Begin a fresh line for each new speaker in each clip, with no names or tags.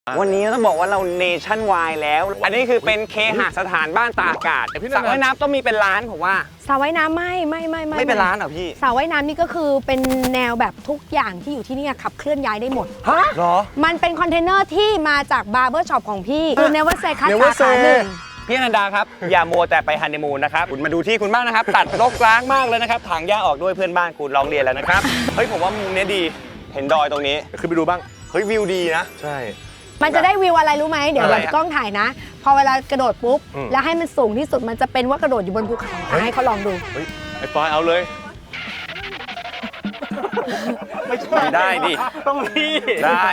วันนี้ต้องบอกว่าเราเนชั่นวายแล้ว อันนี้คือเป็นเคหสถานบ้านตากอากาศสระว่ายน้ำต้องมีเป็นร้านผมว่า
สระว่ายน้ำไม่
เป็นร้านเหรอพี่
สระว่ายน้ำนี่ก็คือเป็นแนวแบบทุกอย่างที่อยู่ที่นี่ขับเคลื่อนย้ายได้หมด
ฮะหรอ
มันเป็นคอนเทนเนอร์ที่มาจากบาร์เบอร์ช็อปของพี่คือ Never Say คัทสาขาหนึ่ง
พี่อนันดาครับ อย่ามัวแต่ไปฮันนีมูนนะครับคุณมาดูที่คุณบ้างนะครับตัดรกร้างมากเลยนะครับถางหญ้าออกด้วยเพื่อนบ้านคุณร้องเรียนแล้วนะครับเฮ้ยผมว่ามุมนี้ดีเห็นดอยตรงนี้
ขึ้นไปดูบ้าง
เฮ้ยวิวดีนะ
ใช่
มันจะได้วิวอะไรรู้ไหมเดี๋ยวกล้องถ่ายนะพอเวลากระโดดปุ๊บแล้วให้มันสูงที่สุดมันจะเป็นว่ากระโดดอยู่บนภูเขาให้เขาลองดู
ไอ้ปอยเอาเลย
ไม่ได้ดิต้องพี่ได้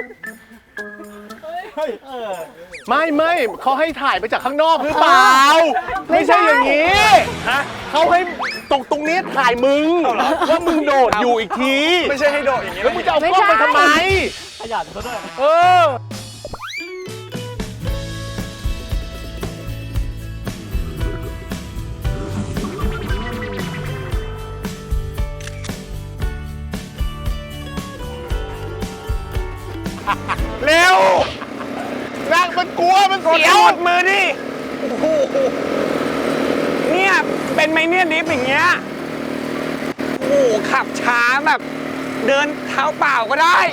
ไม่เขาให้ถ่ายไปจากข้างนอกหรือเปล่าไม่ใช่อย่างนี้เขาให้ตรงนี้ถ่ายมึงว่ามึงโดดอยู่อีกที
ไม่ใช่ให้โดดอย่างนี้
แล้วมึงจะเอากล้องไปทำไมขยันเขาด้วยเร็วนั่งมันกลัวมันเสียว
ดมือดิโอ้โหเนี่ยเป็นไมเนี่ยดิฟอย่างเงี้ยโอ้โหขับช้าแบบเดินเท้าเปล่าก็ได้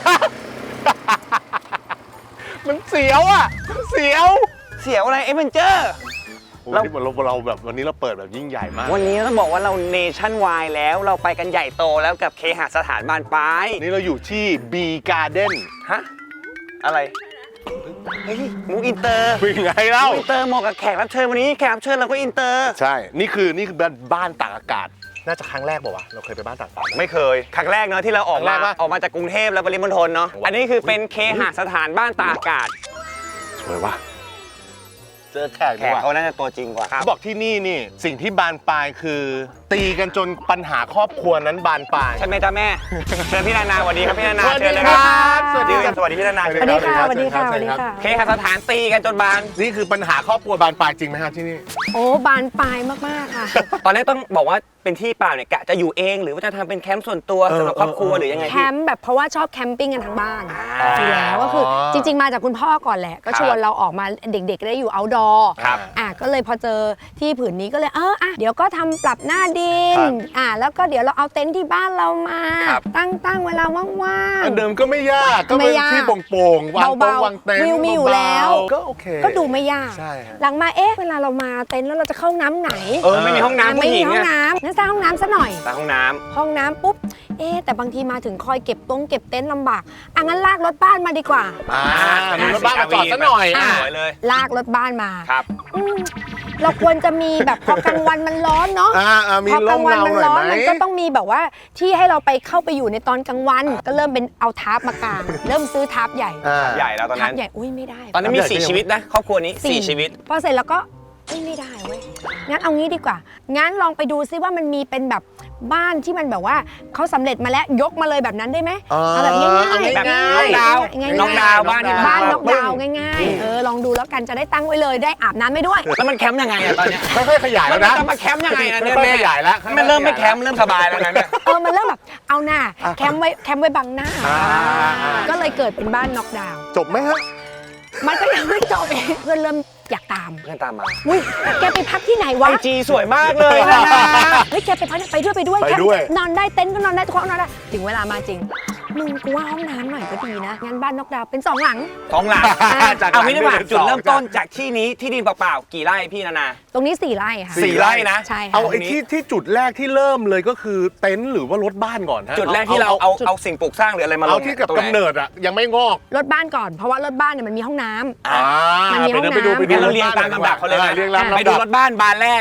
มันเสียวอ่ะเสียว
อะไรเอเวนเจอร์
เราแบบวันนี้เราเปิดแบบยิ่งใหญ่มาก
วันนี้ต้องบอกว่าเราเนชั่นวายแล้วเราไปกันใหญ่โตแล้วกับเคหสถานบานปลาย
นี่เราอยู่ที่ B Garden
ฮะอะไรเฮ้ยมุกอินเตอร์
เป็นไงเล่า
อินเตอร์เหมาะกับแขกรับเชิญวันนี้แขกรับเชิญเราก็อินเตอร์
ใช่นี่คือบ้านตากอากาศน่าจะครั้งแรกป่าวะเราเคยไปบ้านตากอากาศ
ไม่เคยครั้งแรกเนาะที่เราออกมาจากกรุงเทพแล้วปริมณฑลเนาะอันนี้คือเป็นเคหสถานบ้านตากอากาศ
สวยว่ะเจอแขก
เขาน่าจะตัวจริงกว่า
เขาบอกที่นี่สิ่งที่บานปลายคือตีกันจนปัญหาครอบครัวนั้นบานปลาย
ใช่ไหมจ๊ะแม่เชิญพี่นานาสวัสดีครับพี่นานาเชิญเลยครับสวัสดีพี่นานา
สวัสดีค่ะสวัสดีค่ะ
เคหสถานตีกันจนบาน
นี่คือปัญหาครอบครัวบานปลายจริงไหมครับที่นี่
โอ้บานปลายมากๆค่ะ
ตอนแรกต้องบอกว่าเป็นที่เปล่าเนี่ยกะจะอยู่เองหรือว่าจะทำเป็นแคมป์ส่วนตัวสำหรับครอบครัวหรือยังไง
แคมป์แบบเพราะว่าชอบแคมปิ้งกันทั้งบ้านอยู่แล้วก็คือจริงๆมาจากคุณพ่อก่อนแหละก็ชวนเราออกมาเด็กๆได้อยู่เอาท์ดอร์ก็เลยพอเจอที่ผืนนี้ก็เลยเดี๋ยวก็ทำปรับหน้าดินแล้วก็เดี๋ยวเราเอาเต็นท์ที่บ้านเรามาตั้งเวลาว่าง
ๆเดิมก็ไม่ยากก็เป็นที่โป่งๆวางเต็นท์
วิวมีอยู่แล้ว
ก็โอเค
ก็ดูไม่ยากหลังมาเวลาเรามาเต็นท์แล้วเราจะเข้าน้ำไหน
ไม่มีห้องน้ำ
ไม่มีห้องน้ำงั้นสร้างห้องน้ำซะหน่อย
สร้างห้อง
น้ำปุ๊บแต่บางทีมาถึงคอยเก็บเต็นท์ลำบากงั้นลากรถบ้านมาดีกว่า
รถบ้านมาจอดซะหน่อย
ลากรถบ้านมาครับเราควรจะมีแบบพอกลางวันมันร้อนเนาะ
พอกลางวันมันร้อน
มันก็ต้องมีแบบว่าที่ให้เราไปเข้าไปอยู่ในตอนกลางวันก็เริ่มเป็นเอาทาร์ปมากางเริ่มซื้อทาร์ปใหญ่
แล้วตอนนั้น
ทาร์ปใหญ่ไม่ได้
ตอนนั้นมี4ชีวิตนะครอบครัวนี้4ชีวิต
พอเสร็จแล้วก็ไม่ได้เว้ยงั้นเอางี้ดีกว่างั้นลองไปดูซิว่ามันมีเป็นแบบบ้านที่มันแบบว่าเขาสำเร็จมาแล้วยกมาเลยแบบนั้นได้ไหมเอาแบบง่ายๆ
แบบน็อกดาวน์บ้าน
น็อกดาวน์ง่ายๆลองดูแล้วกันจะได้ตั้งไว้เลยได้อาบน้ำไม่ด้วย
แล้วมันแคมป์ยังไงตอนนี้
ค่อยๆขยายแล้วนะ
จะมาแคมป์ยังไงเนี่ย
แม่ขยายแล้ว
มันเริ่มไม่แคมป์เริ่มสบายแล้วนะเนี่ย
มันเริ่มแบบเอาหน้าแคมป์ไว้บังหน้าก็เลยเกิดเป็นบ้านน็อกดาวน์
จบไหมฮะ
มันก็ยังไม่จบเพื่อนเริ่มอยากตาม
เพื่อนตามมา
อุ้ยแกไปพักที่ไหนวะ
จีสวยมากเลยนะ
เฮ้ยแกไปพักไปด้วยนอนได้เต็นท์ก็นอนได้ทุกห้องนอนได้ถึงเวลามาจริงมึงกูว่าห้องน้ำหน่อยก็ดีนะงั้นบ้านน็อกดาวน์เป็น2 หลัง
เอาไม่ได้ว่าจุดเริ่มต้นจากที่นี้ที่ดินเปล่าๆกี่ไร่พี่นานา
ตรงนี้4 ไร่ค่ะ
4 ไร่นะ
ใช่
เอาไอ้ที่จุดแรกที่เริ่มเลยก็คือเต็นท์หรือว่ารถบ้านก่อนฮะ
จุดแรกที่เราเอาสิ่งปลูกสร้างหรืออะไรมาลง
เอาที่กับกำเนิดยังไม่งอก
รถบ้านก่อนเพราะว่ารถบ้านเนี่ยมันมีห้องน้
ำ
มันมีห้องน้ำ
ไปดูเราเรียงตามลำดับเขาเลยไปดูรถบ้านบานแรก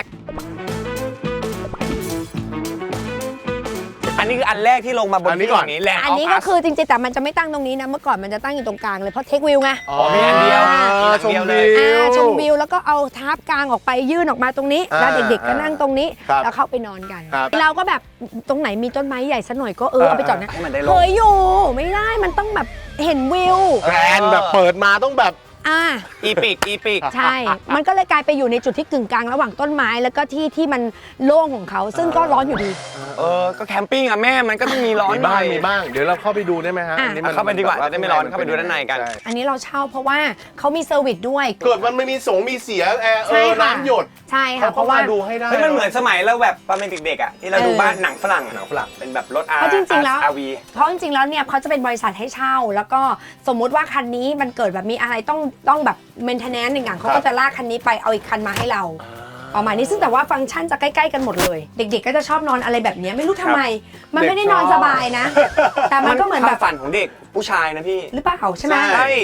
อันนี้คืออันแรกที่ลงมาบนที่ก่อนนี้แหละ
อันนี้ก็คือจริงๆแต่มันจะไม่ตั้งตรงนี้นะเมื่อก่อนมันจะตั้งอยู่ตรงกลางเลยเพราะเทควิวไง
มีอันเดียว
ชมวิวแล้วก็เอาทาร์ปกลางออกไปยื่นออกมาตรงนี้แล้วเด็กๆก็นั่งตรงนี้แล้วเข้าไปนอนกันเราก็แบบตรงไหนมีต้นไม้ใหญ่สักหน่อยก็เอาไปจอดนะเคยอยู่ไม่ได้มันต้องแบบเห็นวิว
แกรนแบบเปิดมาต้องแบบ
อีปิก
ใช่ มันก็เลยกลายไปอยู่ในจุดที่กึ่งกลางระหว่างต้นไม้แล้วก็ที่มันโล่งของเขาซึ่งก็ร้อนอยู่ดี
ก็แคมปิ้งอะแม่มันก็ต้องมีร้อน
มี
หน่
บ้าง
อย
มีบ้างเดี๋ยวเราเข้าไปดูได้ไหมฮะ
อ่ะ
อันนี้
เข้าไปดีกว่าจะได้ไม่ร้อนเข้าไปดูด้านในกัน
ใช่
อันนี้เราเช่าเพราะว่าเขามีเซอร์วิสด้วย
เกิดมันไม่มีมีเสียแอร์
ใช่ค่ะ
น้ำหยด
ใช่ค่ะ
เขา
เพ
ก็
ราะว่า
มาดูให้ได้
เฮ้ยมันเหมือนสมัยเราแบบตอนเป็นเด็กๆอะที่เราดูบ้านหนังฝรั่งเป็นแบบรถ
เพราะจริงๆแล้ว
RV
เพราะจริงๆแล้วเนี่ยเขาจะเป็นบริษัทให้เช่า แล้วก็สมมุติว่าคันนี้มันเกิดแบบมีอะไรต้องแบบเมนเทนแนนซ์หนึ่งอย่างเขาก็จะลากคันนี้ไปเอาอีกคันมาให้เราประมาณนี้ซึ่งแต่ว่าฟังก์ชันจะใกล้ๆกันหมดเลย เด็กๆก็จะชอบนอนอะไรแบบนี้ไม่รู้ทำไม มันไม่ได้นอนสบายนะ แต่มันก็เหมือนแบบ
ฝันของเด็กผู้ชายนะพี่
หรือเปล่าใช่ไหม
ใช่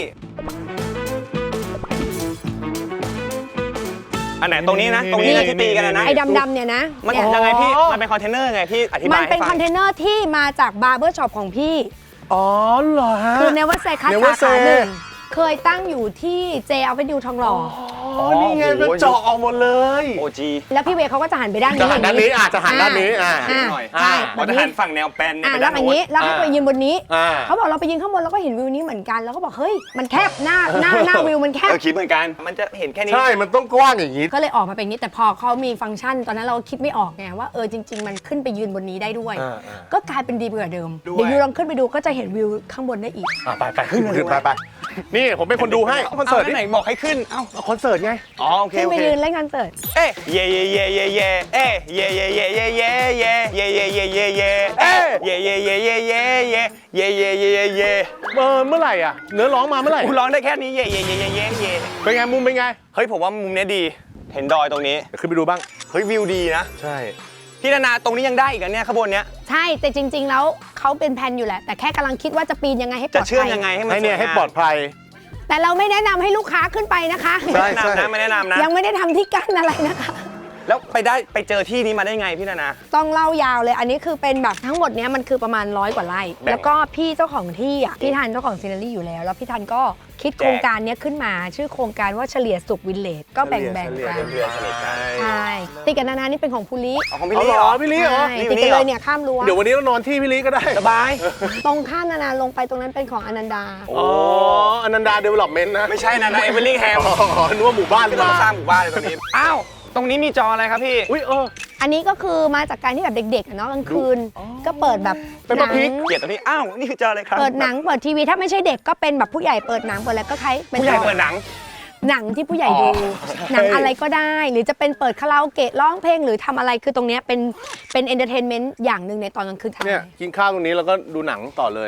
อันไหนตรงนี้นะตรงนี้นะที่ตีกันนะ
ไอ้ดำๆเนี่ยนะ
มัน
เนี่ย
ยังไงพี่มันเป็นคอนเทนเนอร์ไงพี่อธิบาย
มันเป็น
ให้
ค
ฟั
อนเทนเนอร์ที่มาจากบาร์เบอร์ช็อปของพี่
อ๋อเหรอฮะ
คือเนเวอร์เซคัส
Never
สาขา
Say
หนึ่งเคยตั้งอยู่ที่เจอเวนิวทองหล่อ
อ๋อนี่ไงมันเจาะออกหมดเลย
โอจี
แล้วพี่เวย์เขาก็จะหันไปด้าน
จะ
นี้
หันด้านนี้จะหันด้านนี้
หน่อย
ใช่
มันจะหันฝั่งแนวแปน
แล้วอย่างนี้แล้วให้ไปยืนบนนี้
อ่า
เขาบอกเราไปยืนข้างบนเราก็เห็นวิวนี้เหมือนกันแล้วก็บอกเฮ้ยมันแคบหน้าวิวมันแคบ
คิดเหมือนกันมันจะเห็นแค่นี้
ใช่มันต้องกว้างอย่างนี้
ก็เลยออกมาเป็นอย่างนี้แต่พอเขามีฟังก์ชันตอนนั้นเราคิดไม่ออกไงว่าจริง ๆ มันขึ้นไปยืนบนนี้ได้ด้วย ก็กลายเป็นดีกว่าเดิมเดี๋ยวยูลองขึ้นไปดูก็จะเห็นวิวข้างบนได้อีก
ไปขึ้นไปนี่ผมเป็นคนดูให้คอนเสิร์ต
ไหนบอกให้ขึ้นเอ้า
คอนเสิร์ตไง
อ๋อโอเค
ขึ้น
โอ
ไป
เค
ยืนเล่นคอนเสิร์ต
เอ้ยเย่เย่เย่เย่เย่เอ้ยเย่เย่เย่เย่เย่เย่เย่เย่เย่เย่เย่เอ้ยเย่เย่เย่เย่เย่เย่เย่เย่เย่เย่
เมื่อไหร่อ่ะเนื้อร้องมาเมื่อไหร่
กูร้องได้แค่นี้เย่เย่เย่เย่เย่เย่
เป็นไงมุมเป็นไง
เฮ้ยผมว่ามุมนี้ดีเห็นดอยตรงนี้
เดี๋ยวขึ้นไปดูบ้าง
เฮ้ยวิวดีนะ
ใช่
พี่นานาตรงนี้ยังได้อีกอันเนี้ยข้างบนเนี้ย
ใช่แต่จริง ๆ แล้วเขาเป็นแผนอยู่แหละแต่แค่กำลังคิดว่าจะปีนยังไงให้ปล
จะ
อด
เชื่อม
ภัย
ยังไงให้มัน
ให้เนี่ยให้ปลอดภัย
แต่เราไม่แนะนำให้ลูกค้าขึ้นไปนะคะ
ใช่
ไม่แนะนำนะไม่แนะนำนะ
ยังไม่ได้ทำที่กั้นอะไรนะคะ
แล้วไปเจอที่นี้มาได้ไงพี่นานา
ต้องเล่ายาวเลยอันนี้คือเป็นแบบทั้งหมดเนี้ยมันคือประมาณ100 กว่าไร่
แบ่ง
แล้วก็พี่เจ้าของที่อ่ะพี่ทันเจ้าของซีนารีอยู่แล้วพี่ทันก็คิดโครงการเนี้ยขึ้นมาชื่อโครงการว่าเฉลี่ยสุขวิลเลจก็แบ่งกัน
เพื่อนสนิทกัน
ใช่ติดกับนานานี่เป็นของภูริ
เอาของพี่
เอา
ลี่
เหร
เหร
อ
อ
พี่ลิเหรอ
ใช่ติดกันเลยเนี่ยข้ามรั้ว
เดี๋ยววันนี้เรานอนที่พี่ลิก็ได้
สบาย
ตรงข้ามนานาลงไปตรงนั้นเป็นของอนันดา
อ๋ออนันดาเดเวล็อปเมนต์นะ
ไม่ใช่นะนะเอเวอร์ลิงแฮม
อ๋อนึกว่าหมู่บ้าน
ไม่ต้อง
มา
สร้างหมู่บ้านเลยตรงนี้อ้าวตรงนี้มีจออะไรครับพี่
อุ้ย
อันนี้ก็คือมาจากการที่แบบเด็กๆอะเนาะกลางคืนก็เปิดแบบ
เป็น
ห
ป
นั
ระพิก
เกลียดตรงนี้อ้าวนี่คือจออะไรครับ
เปิดหนังเปิดทีวีถ้าไม่ใช่เด็กก็เป็นแบบผู้ใหญ่เปิดหนังเปิดอะไรก็คล้ายเป็น
ผู้ใหญ่เปิดหนัง
หนังที่ผู้ใหญ่ดูหนังอะไรก็ได้ หรือจะเป็นเปิดคาราโอเกะร้องเพลงหรือทำอะไรคือตรงเนี้ยเป็นเอนเตอร์เทนเมนต์อย่างหนึ่งในตอนกลางคืน
เนี่ยกินข้าวตรงนี้แล้วก็ดูหนังต่อเลย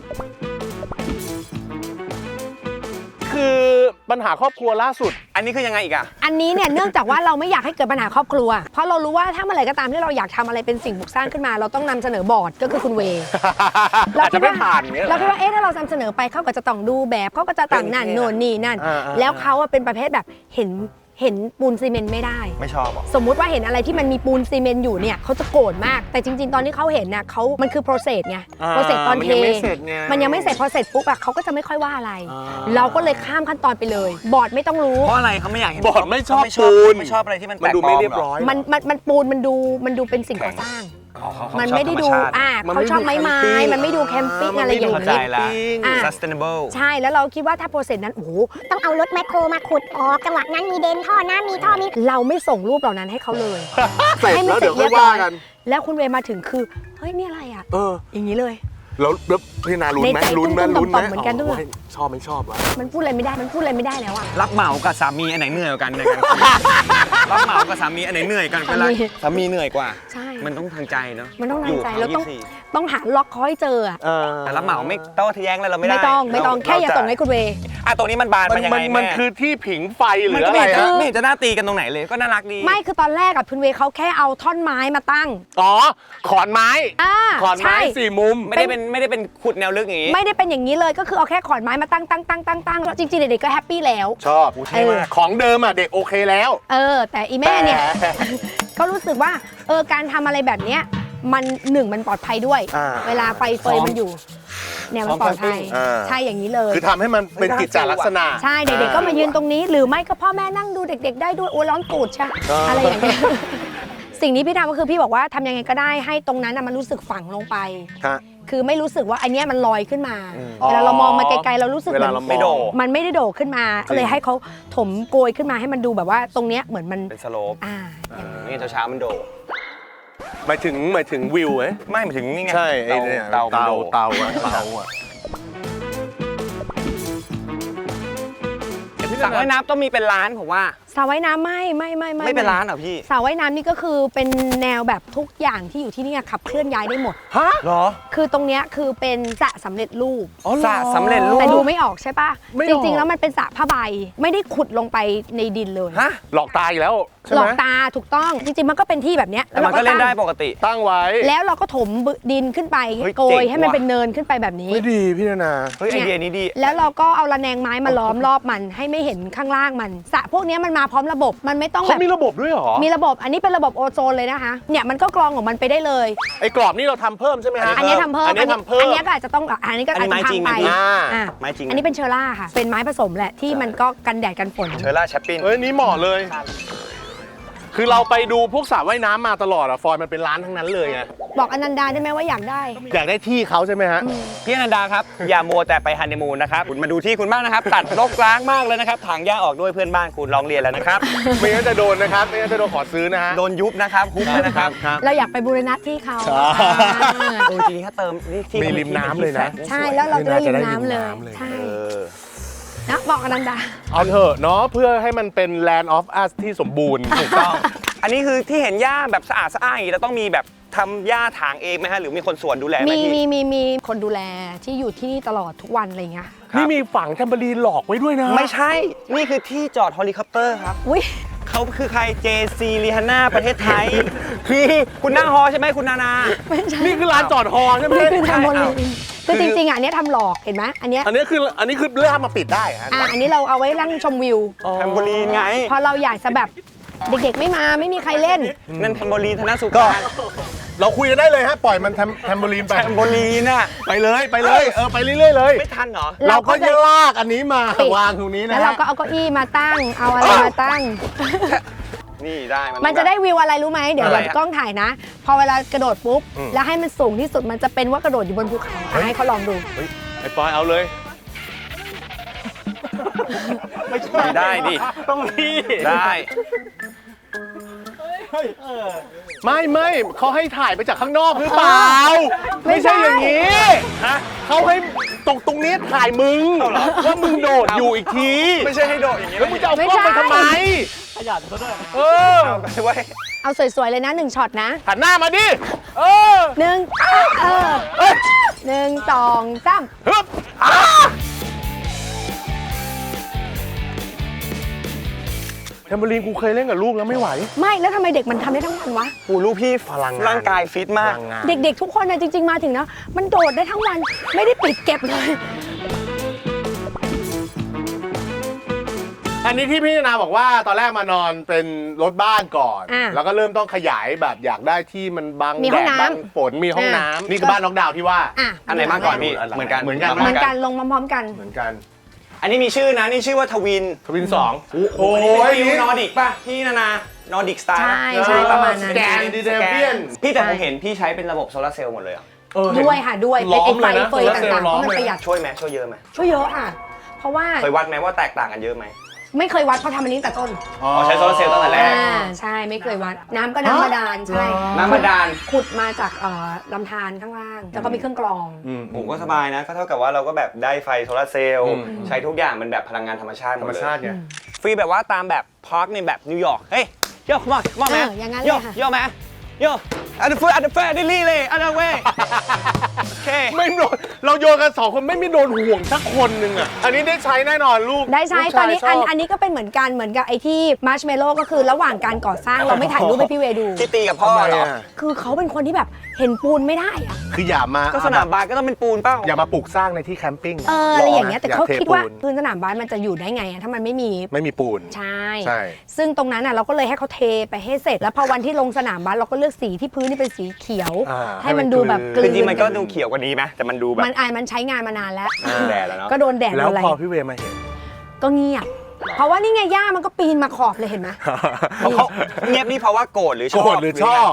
คือปัญหาครอบครัวล่าสุด
อันนี้คือยังไงอีกอะ
อันนี้เนี่ยเนื่องจากว่าเราไม่อยากให้เกิดปัญหาครอบครัว เพราะเรารู้ว่าถ้าเมื่อไหร่ก็ตามที่เราอยากทำอะไรเป็นสิ่งปลูกสร้างขึ้นมา เราต้องนำเสนอบอร์ดก็คือคุณเวย์
อาจจะไม่ผ่านอย่างเงี้ย
เราคิดว่าเอ๊ะถ้าเรานำเสนอไปเขาก็จะต้องดูแบบเขาก็จะต่างนั่นโน่นนี่นั่น แล้วเขาอะเป็นประเภทแบบเห็นปูนซีเมนต์ไม่ได้
ไม่ชอบหรอ
สมมุติว่าเห็นอะไรที่มันมีปูนซีเมนต์อยู่เนี่ยเขาจะโกรธมาก แต่จริง ๆ ตอนที่เขาเห็นน่ะมันคือ process ไง process ตอนเท
มันยังไม่เสร็จไง
มันยังไม่เสร็จพอเสร็จปุ๊บอะเขาก็จะไม่ค่อยว่าอะไร เราก็เลยข้ามขั้นตอนไปเลย บอร์ดไม่ต้องรู้
เพราะอะไรเขาไม่อยากเห็น
บอร์ดไม่ชอบ
เขา
ปูน
ไม่ชอบอะไรที่มัน
มันดูไม่เรียบ
ห
ร้อย
มันปูนมันดูเป็นสิ่งก่อสร้าง
อ๋อเขา
มัน
ชอบ
ไม่ได้ดู
ธรรชาติ
มัน
เขาชอบ
ไม่
ไม้
ดู
ไม้
camping
มันไม่ดูแคมปิ้งอะไรอย่าง
เข้าใจ
นี้
ละ
อ่า
sustainable
ใช่แล้วเราคิดว่าถ้าโปรเซสนั้นโอ้โห
ต้องเอารถแมคโครมาขุดออกจังหวะนั้นมีเดนท่อน้ำมีท่อมี
เราไม่ส่งรูปเหล่านั้นให้เขาเลย
เสร็จ
ให้มั
แล้ว
เสร็
เดี๋
จ
ยวค่
เรี
อย ย
บร้
ว่า
อย
กัน
แล้วคุณเวย์มาถึงคือเฮ้ยนี่อะไรอ่ะ อย่างนี้เลย
แล้วพี่นาลุ้นไหม
ในใจ
ลุ้นไหม
ตุ้มๆ
ลุ้นไหม
ต่อมๆเหมือนกันด้วย
ชอบไม่ชอบวะ
มันพูดอะไรไม่ได้แล้วอ่ะ
รับเหมากับสามีอันไหนเหนื่อยกว่ากันในการรับเหมากับสามีอันไหนเหนื่อยกันเวลาสามีเหนื่อยกว่า
ใช่
มันต้องทางใจเนาะ
มันต้องทางใจ
ยู่
เราต้อง
24
ต้องหาล็อกเขาให้เจออะ
แต่รับเหมาไม่ต้องทะแย้งอะไรเราไม่ได้
ไม่ต้องแค่อย่าส่งให้คุณเวย์
ตรงนี้มันบานมันยังไง
มัน
แม่
คือที่ผิงไฟห
มั
รื
น
อ
ก็
อะไร
ไม่เห็นจะ
ฮะ
ไม่เห็นจะน่าตีกันตรงไหนเลยก็น่ารักดี
ไม่คือตอนแรกกับคุณเวย์เขาแค่เอาท่อนไม้มาตั้ง
อ๋อขอนไม้ ขอนไม้
ใช่
4 มุม
ไม่ได้เป็นขุดแนวลึกอย่างนี้
ไม่ได้เป็นอย่างนี้เลยก็คือเอาแค่ขอนไม้มาตั้งแล้วจริงๆเด็กๆก็แฮปปี้แล้ว
ชอบ
เท่มาก
ของเดิมอ่ะเด็กโอเคแล้ว
แต่อีแม่เนี่ย
แต่
ก็รู้สึกว่าการทำอะไรแบบเนี้ยมันมันปลอดภัยด้วย เวลาไฟเฟยมันอยู่เนี่ยมันปลอดภัยใช่อย่างนี้เลย
คือทำให้มันเป็นกิจจลักษณะ
ใช่เด็กๆก็มายืนตรงนี้ หรือไม่ก็พ่อแม่นั่งดูเด็ก ๆ ได้ด้วยโอ้ร้อนตูดใช่อะไรอย่างเงี้ย สิ่งนี้พี่ทำก็คือพี่บอกว่าทำยังไงก็ได้ให้ตรงนั้นมันรู้สึกฝังลงไปคือไม่รู้สึกว่าอันเนี้ยมันลอยขึ้นมาเวลาเรามองมาไกลๆเรารู้สึก
เว
เหมื
ลา
อน
เรามอง
ไม่โดด
มันไม่ได้โดดขึ้นมาก็เลยให้เขาถมโกยขึ้นมาให้มันดูแบบว่าตรงเนี้ยเหมือนมัน
เป็นสโลป
อย่างนั้น
นี่เช้ามันโดด
หมายถึงวิวไหม
ไม่หมายถึงนี่ไง
ใช่ไอ้เนี่ย
เตามันโดด
เตาอะ
สระว่ายน้ำต้องมีเป็นร้านผมว่า
สระว่ายน้ำไม่
ไม่เป็นร้านเหรอพี่
สระว่ายน้ำนี่ก็คือเป็นแนวแบบทุกอย่างที่อยู่ที่นี่ขับเคลื่อนย้ายได้หมด
ฮะ
เหรอ
คือตรงเนี้ยคือเป็นสระสำเร็จรูป
อ๋อเหรอ
สระสำเร็จรูป
แต่ดูไม่ออกใช่ปะ
ไม่อ
จ
อก
ริงๆ แล้วมันเป็นสระผ้าใบไม่ได้ขุดลงไปในดินเลย
ฮะ
หลอกตาอีกแล้วใช่
หล
ไห
อ
ม
กตาถูกต้องจริงๆ มันก็เป็นที่แบบเนี้ย
แต่มันก็เล่นได้ปกติ
ตั้งไว้
แล้วเราก็ถมดินขึ้นไป
เฮ้ย
โกย
เจ๋ง
ให้มัน
ว่ะ
เป็นเนินขึ้นไปแบบนี้
ไม่ดีพี่นา
เฮ้ยไอเดียนี้ดี
แล้วเราก็เอาระแนงไม้มาล้อมรอบมันให้ไม่เห็นข้างล่างมันสระพวกเนี้ยมันมาพร้อมระบบมันไม่ต้องแบ
เขา
บ
มีระบบด้วยเหรอ
มีระบบอันนี้เป็นระบบโอโซนเลยนะคะเนี่ยมันก็กรองของมันไปได้เลย
ไอ้กรอบนี่เราทำเพิ่มใช่ไหมฮะ
อันนี้ทำเพิ่ม
อันนี้ทำเพิ่ม
อันนี้ก็อาจจะต้องอันนี้ก็อาจ
อันนี้ไม้
จะ
จริง
ทำไป
นะพี่
อ่ะ
ไม้จริงนะ
อันนี้เป็นเชอร่าค่ะ เป็นไม้ผสมแหละที่มันก็กันแดดกันฝน
เชอร่าแชปปิน
เฮ้ยนี่เหมาะเลย คือเราไปดูพวกสระว่ายน้ำมาตลอดอะฟอยมันเป็นร้านทั้งนั้นเลยไง
บอกอนันดาได้ไหมว่าอยากได้
อยากได้ที่เขาใช่ไหมฮะ
พี่อนันดาครับ อย่ามัวแต่ไปฮันนีมูนนะครับคุณมาดูที่คุณบ้างนะครับ ตัดรกร้างมากเลยนะครับถางหญ้าออกด้วยเพื่อนบ้านคุณร้องเรียนแล้วนะครับ
ไม่งั้นจะโดนนะครับ ไม่งั้นจะโดนขอซื้อนะฮะ
โดนยุบนะครับคุกเลยนะครับ
เราอยากไปบูรณะที่เขา
จริงๆถ้าเติมนี่ที่
มีริมน้ำเลยนะ
ใช่แล้วเราจะได้ริมน้ำเลย
น่าจะได้ริมน้ำเลย
ใช่
เออ
นะบอกอนันดา
เอาเถอะเนาะเพื่อให้มันเป็น Land of Us ที่สมบูรณ์
ถูกต้อง อันนี้คือที่เห็นหญ้าแบบสะอาดอย่างนี้เราต้องมีแบบทำหญ้าถางเองไหมฮะหรือมีคนสวนดูแลไหม
มี
พี่
มีคนดูแลที่อยู่ที่นี่ตลอดทุกวันอะไรอย่างเงี้ย
นี่มีฝังแทมเบอรีนหลอกไว้ด้วยนะ
ไม่ใช่ นี่คือที่จอดเฮลิคอปเตอร์ครับ
อุ้ย
เขาคือใคร JC ลีฮาน่าประเทศไทย คือคุณนั่งฮอใช่ไหมคุณนานา
ไม่ใช่
นี่คือร้านจอดฮอใช่ไหม
นี่คือทำโมลีน
คือ
คือจริงๆอ่ะอันเนี้ยทำหลอกเห็นไหมอันเนี้ย
อันนี้คือเลือกมาปิดได้ฮะ
อันนี้เราเอาไว้นั่งชมวิว
แทมโบลีนไง
พอเราอยากจะแบบเด็กๆไม่มาไม่มีใครเล่น
นั่นแทมโบลีนธนสุการ
เราคุยกันได้เลยฮะ ปล่อยมันแทมเบอรีนไป
แทมโบลีนน่ะ
ไปเลยไปเลยไปเรื่อยๆเลย
ไม่ทันเหรอ
เราก็
จะ
จะลากอันนี้มา
ปิด
วางตรงนี้นะ
แล้วเราก็เอาเก้าอี้มาตั้ง เอาอะไรมาตั้ง
นี่ได้
มันจะได้วิวอะไรรู้ไหมเดี๋ยว
อะไร
เดี๋ยว
อะ
กล้องถ่ายนะ พอเวลากระโดดปุ๊บ แล้วให้มันสูงที่สุดมันจะเป็นว่ากระโดดอยู่บนภูเขาอ่ะให้เขาลองดู
ไอ้ปอยเอาเลย
ไม่ได้ดิ
ต้องนี่
ได้
ไม่เขาให้ถ่ายไปจากข้างนอกหรือเปล่า
ไม่
ไม่
ใช่
ใช่อย่างนี้เขาให้ตรงนี้ถ่ายมึงว่ามึงโดดอยู่อีกที
ไม่ใช่ให้โดดอย่างนี้
แล้วมึงจะเอากล้องไปทำไมเออ
เอาไปไว้
เอาสวยๆเลยนะ1ช็อตนะ
หันหน้ามาดิเออ
หนึ่งหนึ่งสองสาม
ฮึบแทมเบอรีนกูเคยเล่นกับลูกแล้วไม่ไหว
ไม่แล้วทำไมเด็กมันทำได้ทั้งวันวะ
ปูลูกพี่
พลังงาน
ร่างกายฟิตมาก
เด็กๆทุกคนนะจริง ๆมาถึงนะมันโดดได้ทั้งวันไม่ได้ปิดเก็บเลย
อันนี้ที่พี่นาบอกว่าตอนแรกมานอนเป็นรถบ้านก่อน
อ่ะ
แล้วก็เริ่มต้องขยายแบบอยากได้ที่มันบัง
มี
แด
ห้อง
ด
น้ำ
บังฝนมีห้องน้ำนี่คือบ้านน็อกดาวน์ที่ว่า
อ่ะ
อันไหนมาก่อนพี่เหมือนกัน
เหมือนกัน
เหมือนกันลงพร้อมๆกัน
เหมือนกัน
อันนี้มีชื่อนะนี่ชื่อว่าทวิน
ทวินสอง
โอ้ยฟิวนอร์ดิกป่ะพี่นานอร์ดิกสไตล์
ใช่ประมาณนั้น
สแกนดิเดเวียน
พี่แต่ผมเห็นพี่ใช้เป็นระบบโซลาร์เซลล์หมดเลยอ่ะ
ด้วยค่ะด้วยเป็นไอ้ไฟเฟยต่างๆเพราะมันประหยัด
ช่วยไหมช่วยเยอะไหม
ช่วยเยอะค่ะ เพราะว่า
เคยวัดไหมว่าแตกต่างกันเยอะไหม
ไม่เคยวัดเพราะทำอันนี้ตั้งแต่ต้น
อ๋อใช้โซลาร์เซลล์ตั้งแต่แรก
ใช่ไม่เคยวัด น้ำก็น้ำบาดาลใช่
น้ำบาดาล
ขุดมาจากลำธารข้างล่าง แล้วก็มีเครื่องกรอง
ผมก็สบายนะก็เท่ากับว่าเราก็แบบได้ไฟโซลาร์เซลล์ใช้ทุกอย่างมันแบบพลังงานธรรมชาติห
ธร
ม
รม
ดเลย
ชาติไง
ฟรีแบบว่าตามแบบพาร์คในแบบนิวยอร์กเฮ้ยโย่มาแม
อย่างนั้นเลย
โย่
ค่ะ
โย่แมโย่อันเดอร์แฟร์ดิลี่เลยอันเดอร์เว่โอเค
ไม่โดนเราโยนกันสองคนไม่มีโดนห่วงสักคนหนึ่งอ่ะอันนี้ได้ใช้แน่นอนลูก
ได้ใช้
ลูก
ตอนนี้
ชายชบ
อันนี้ก็เป็นเหมือนกันเหมือนกับไอ้ที่มาร์ชเมลโล่ก็คือระหว่างการก่อสร้างเราไม่ถ่ายรูปให้พี่เวดู
ที่ตีกับพ่อ
ทำไม
เหรอ
อ่ะ
คือเขาเป็นคนที่แบบเห็นปูนไม่ได้อะ
คืออย่ามา
ก็สนามบาสก็ต้องเป็นปูนเป้า
อย่ามาปลูกสร้างในที่แคมปิ้ง
อะไรอย่างเงี้ยแต่เขา
อย่าเท
คิดว่า
ปูน
พื้นสนามบาสมันจะอยู่ได้ไงอะถ้ามันไม่มี
ไม่มีปูน
ใช่
ใช่
ซึ่งตรงนั้นอ่ะเราก็เลยให้เขาเทไปให้เสร็จ แล้วพอวันที่ลงสนามบาสเราก็เลือกสีที่พื้นนี่เป็นสีเขียว ให้มันดูแบบก
จ
ลืน
ริงๆมันก็ดูเขียวกว่านี้ไหมแต่มันดูแบบ
มันใช้งานมานานแล้ว
แดดแล้วเนาะ
ก็โดนแดด
แล้
โด
วน
อะไร
พอพี่เวมาเห็น
ก็เงียบเพราะว่านี่ไงย่ามันก็ปีนมาขอบเลยเห็นไหม
เขาเงียบนี่เพราะว่าโกรธหรือชอบ
โกรธหรือชอบ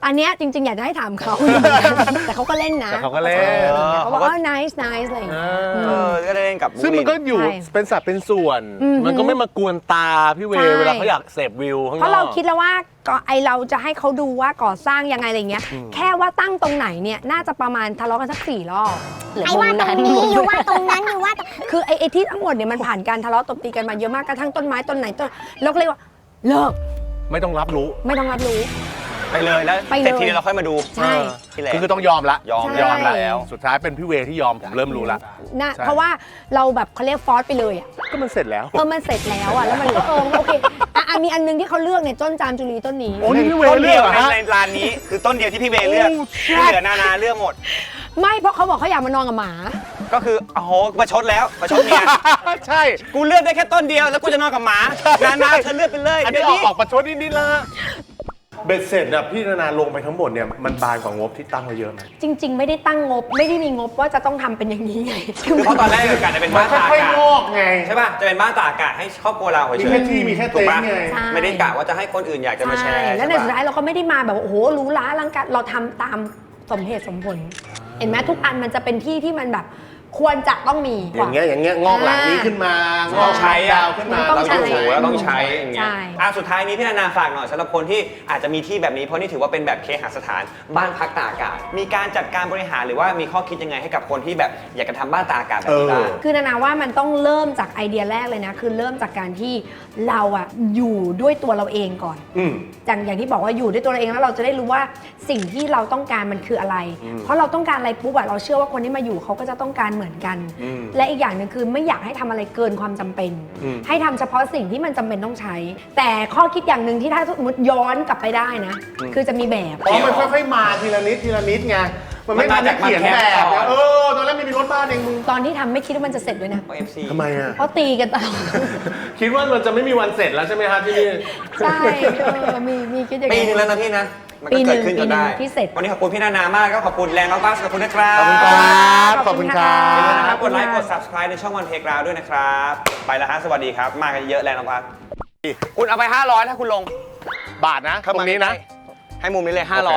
อันเนี้ยจริงๆ อยากจะให้ถามเขา แต่เขาก็เล่นนะ
แต่เขาก็เล่น
เขาบอกว่า nice nice อะไรอย่างเงี้ย
ก็ได้เล่นกับ
ซึ่งมันก็อยู่
ใช่
เป็นสัดเป็นส่วน มันก็ไม่มากวนตาพี่เว
ใช่
เวลาเขาอยากเสพวิวข้างนอก
เพราะเราคิดแล้วว่าก็ไอเราจะให้เขาดูว่าก่อสร้างยังไงอะไรเงี้ย แค่ว่าตั้งตรงไหนเนี่ยน่าจะประมาณทะเลาะกันสัก4 รอบ
ไอ้ว่าตรงนี้อยู่ว่าตรงนั้นอยู่ว่าตรง
คือไอ้ที่ทั้งหมดเนี่ยมันผ่านการทะเลาะตบตีกันมาเยอะมากกระทั่งต้นไม้ต้นไหนต้นเราก็เลยว่าเลิก
ไม่ต้องรับรู้
ไม่ต้องรับรู้
ไปเลยแล้ว
ไปเลย
เสร็จทีนี้เราค่อยมาดู
ใช่
ที่แหละ
คือต้องยอมละ
ยอม
ใช่
ยอมแล้ว
สุดท้ายเป็นพี่เวที่ยอมผมเริ่มรู้ละ
นะ
ใช่
เพราะว่าเราแบบเขาเรียกฟอสไปเลยอ่ะ
ก็มันเสร็จแล้ว
มันเสร็จแล้วอ่ะแล้วมันก็โอเคมีอันนึงที่เขาเลือกเนี่ยต้นจามจุลีต้นนี้
โอ้นี่พี่เว
ต้น
เลื
เดี
อย ก
ว
เหรอฮะ
ในร้านนี้คือต้นเดียวที่พี่เวเลือก
โอ้
ที่เหลือนานาเลือกหมด
ไม่เพราะเขาบอกเขาอยากมานอนกับหมา
ก็คือโอ้โหประชดแล้วประชดเมีย
ใช่
กูเลือกได้แค่ต้นเดียวแล้วกูจะนอนกับหมานานาเธอเลือกไปเลย
อันนี้
เดี๋ยว
ออกประชดนิดๆแล้วเบ็ดเสร็จอะพี่นานาลงไปทั้งหมดเนี่ยมันบานกว่างบที่ตั้งไว้เยอะไหม
จริง ๆ ไม่ได้ตั้งงบไม่ได้มีงบว่าจะต้องทำเป็นอย่างนี้ไง
คือเพราะตอนแรกเกิดการจะเป็น
มั
บ้าน นตาก
ค่อย
อากาศ
ๆงอกไง
ใช่ป่ะจะเป็นบ้านตากอากาศให้ครอบครัวเราเฉย
มีแค่ที่มีแค่
ถูกปะ
เต็นท์ไง
ใช่
ไม่ได้กะว่าจะให้คนอื่นอยากจะมาแช
ใช่
ร์
แล้วใน
ใช่
สุด
ปะ
ท้ายเราก็ไม่ได้มาแบบว่าโอ้โหหรู้ล้าอลังการเราทำตามสมเหตุสมผล เห็นไหมทุกอันมันจะเป็นที่ที่มันแบบควรจะต้องมี
อย่างเงี้ยงอกหลังนี้ขึ้นมางอก
ใช้
ดาวขึ้นมา
ต้
เรา
องใช้
อยู่แล้วต้องใช้อย่างเงี้ย
ใช่
สุดท้ายนี้พี่นานาฝากหน่อยสำหรับคนที่อาจจะมีที่แบบนี้เพราะนี่ถือว่าเป็นแบบเคหสถานบ้านพักตากอากาศ มีการจัดการบริหารหรือว่ามีข้อคิดยังไงให้กับคนที่แบบอยากจะทำบ้านตากอากาศแบบนี้บ้าง
คือนานาว่ามันต้องเริ่มจากไอเดียแรกเลยนะ คือเริ่มจากการที่เราอะอยู่ด้วยตัวเราเองก่อน
อืม
อย่างที่บอกว่าอยู่ด้วยตัวเราเองแล้วเราจะได้รู้ว่าสิ่งที่เราต้องการมันคืออะไร เพราะเราต้องการอะไรปุ๊บอะเราเชื่อว่าคนที่มาอยู่เขาก็จะต้องการเหมือนกัน และอีกอย่างหนึ่งคือไม่อยากให้ทำอะไรเกินความจำเป็น ให้ทำเฉพาะสิ่งที่มันจำเป็นต้องใช้ แต่ข้อคิดอย่างหนึ่งที่ถ้าสมมติย้อนกลับไปได้นะ คือจะมีแบบ
อ๋อมันค่อยๆมาทีละนิดทีละนิดไงมันไม่ทันจะเขียนแบบไงตอนแรกไม่มีรถบ้านเองมึง
ตอนที่ทำไม่คิดว่ามันจะเสร็จด้วยนะ
เพราะ FC
ทำไมอ่ะ
เพราะตีกันตลอด
คิดว่ามันจะไม่มีวันเสร็จแล้วใช่ไหมฮะที่นี่
ใช่มีคิดอย่าง
ปี
นี้
นึงแล้วนะพี่นะ มัน
ปี
ก็
หนึ่
เกิด
ง
ขึ้นจนได้
ปีหนึ่งที่เสร็จ
วันนี้ขอบคุณพี่นานามากก็ขอบคุณแรงน้องบัสขอบคุณนะครับ
ขอบคุณครับ
ขอบคุณค่ะ
อย่าลืมนะครับกดไลค์
ข
ก
อบ
ด
คุณค่ะ
subscribe ในช่องวันเพลกราวด้วยนะครับ ไปแล้วฮะสวัสดีครับ มากันเยอะแรงน้องบัสคุณเอาไป 500 ถ้าคุณลง
บาทนะตรงนี้นะ
ให้มุมนี้เลย
โอเค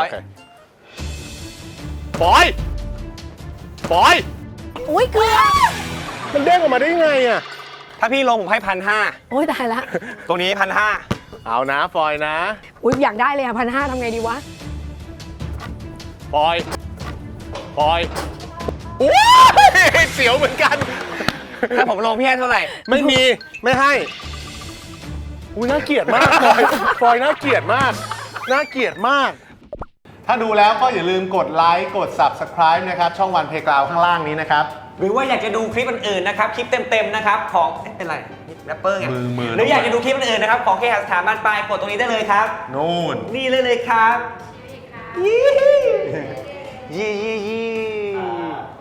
500
ปอยปอย
อุ้ยเกลือ
มันเด้งออกมาได้ยังไงอ่ะ
ถ้าพี่ลงผมให้
โอ้ยตายละ
1,500 ตรงนี้ 1,500
เอานะฟอยนะ
อุ้ยอยากได้เลยอ่ะ1,500ทำไงดีวะ
ปอยปอยโอ้ยเสียวเหมือนกัน
ถ้าผมลงพี่ให้เท่าไหร่
ไม่มีไม่ให้อุ้ยน่าเกลียดมากฟอยฟอยน่าเกลียดมากน่าเกลียดมาก ถ้าดูแล้วก็อย่าลืมกดไลค์กด Subscribe นะครับช่องวันเพลงกราวข้างล่างนี้นะครับ
หรือว่าอยากจะดูคลิปอื่นๆนะครับ คลิปเต็มๆนะครับของเป็นไรแรปเปอร์ไง
มือ
หรืออยากจะดูคลิปอื่นๆนะครับของเคหสถานบ้านปลายกดตรงนี้ได้เลยครับ
นู่น
นี่เลยครับยี่ยี่ยี่